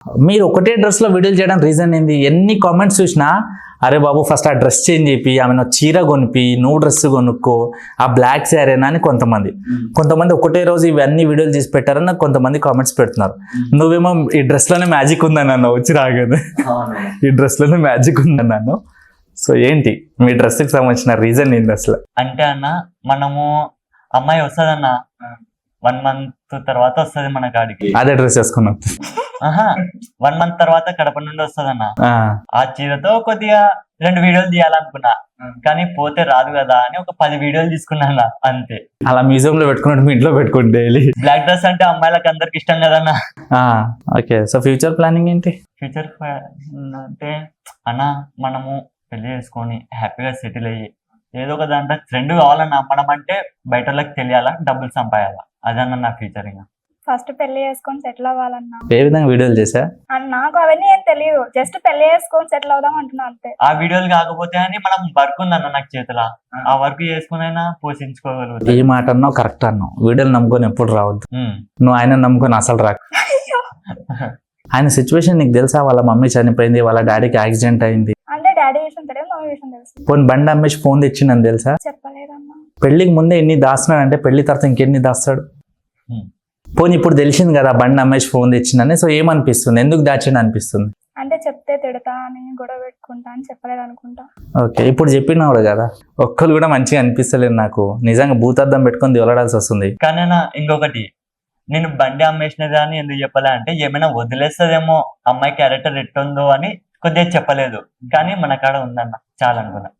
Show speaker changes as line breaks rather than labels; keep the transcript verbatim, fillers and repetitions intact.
మీరు ఒకటే డ్రెస్లో వీడియోలు చేయడం రీజన్ ఏంది? ఎన్ని కామెంట్స్ చూసినా అరే బాబు ఫస్ట్ ఆ డ్రెస్ చేంజ్ చేపి ఆమెను చీర కొనిపి నువ్వు డ్రెస్ కొనుక్కో ఆ బ్లాక్ శారీనా అని కొంతమంది కొంతమంది ఒకటే రోజు ఇవన్నీ వీడియోలు తీసి పెట్టారని కొంతమంది కామెంట్స్ పెడుతున్నారు. నువ్వేమో ఈ డ్రెస్లోనే మ్యాజిక్ ఉందని అన్నావు వచ్చి రాగానే, ఈ డ్రెస్లోనే మ్యాజిక్ ఉందని అన్నావు. సో ఏంటి మీ డ్రెస్కి సంబంధించిన రీజన్ ఏంటి అసలు?
అంటే అన్న మనము అమ్మాయి వస్తుందన్న వన్ మంత్ తర్వాత వస్తుంది మన కాడికి,
అదే డ్రెస్ వేసుకున్నాం.
ఆహా వన్ మంత్ తర్వాత కడప నుండి వస్తుందన్న. ఆ చీరతో కొద్దిగా రెండు వీడియోలు తీయాలనుకున్నా కానీ పోతే రాదు కదా అని ఒక పది వీడియోలు తీసుకున్నా అంతే.
అలా మ్యూజియం లో పెట్టుకున్నట్టు మీ ఇంట్లో పెట్టుకోండి డైలీ.
బ్లాక్ డ్రెస్ అంటే అమ్మాయిలకు అందరికి ఇష్టం కదన్నా.
ఓకే, సో ఫ్యూచర్ ప్లానింగ్ ఏంటి?
ఫ్యూచర్ అంటే అన్న మనము పెళ్లి చేసుకొని హ్యాపీగా సెటిల్ అయ్యి ఏదో ఒక దాంట్లో ఫ్రెండ్ కావాలన్నా, మనం అంటే బయట వాళ్ళకి తెలియాలా, డబ్బులు సంపాదాలా, అదన్న నా ఫ్యూచర్. ఇంకా
ఫస్ట్ పెళ్లి చేసుకొని సెటిల్ అవ్వాలన్నా.
ఏ విధంగా వీడియోలు చేసా?
నాకు అవన్నీ ఏం తెలియదు, జస్ట్ పెళ్లి చేసుకొని సెటిల్ అవుదాం అంటున్నా అంతే.
ఆ వీడియోలు కాకపోతే అని మనం వర్క్ ఉందన్న నాకు చేతిలో, ఆ వర్క్ చేసుకునైనా పోషించుకోగలుగుతా.
ఏ మాట అన్నావు కరెక్ట్ అన్నావు. వీడియోలు నమ్ముకొని ఎప్పుడు రావద్దు. నువ్వు ఆయన నమ్ముకొని అసలు రాకు. ఆయన సిచ్యువేషన్ నీకు తెలుసా? వాళ్ళ మమ్మీ చనిపోయింది, వాళ్ళ డాడీకి యాక్సిడెంట్ అయింది.
అంటే డాడీ విషయం తెలియదు, మమ్మీ విషయం తెలుసు.
పోనీ బండి అమ్మేసి ఫోన్ తెచ్చిందని తెలుసా?
చెప్పలేదమ్మా.
పెళ్లికి ముందే ఎన్ని దాస్తున్నాడు అంటే పెళ్లి తర్వాత ఇంకెన్ని దాస్తాడు. పోనీ ఇప్పుడు తెలిసింది కదా బండి అమ్మేసి ఫోన్ తెచ్చిందని, సో ఏమనిపిస్తుంది? ఎందుకు దాచిండు అనిపిస్తుంది?
అంటే చెప్తే తిడతా అని గొడవ పెట్టుకుంటా అని చెప్పలేదు అనుకుంటా.
ఓకే, ఇప్పుడు చెప్పినాడు కదా, ఒక్కరు కూడా మంచిగా అనిపిస్తలేదు నాకు. నిజంగా భూతార్థం పెట్టుకొని దివలాడాల్సి వస్తుంది.
కానీ నా ఇంకొకటి, నేను బండి అమ్మేసినది అని ఎందుకు చెప్పలే అంటే ఏమైనా వదిలేస్తుందేమో అమ్మాయి క్యారెక్టర్ ఎట్టుందో అని కొద్దిగా చెప్పలేదు. కానీ మన కాడ ఉందన్న చాలా అనుకున్నా.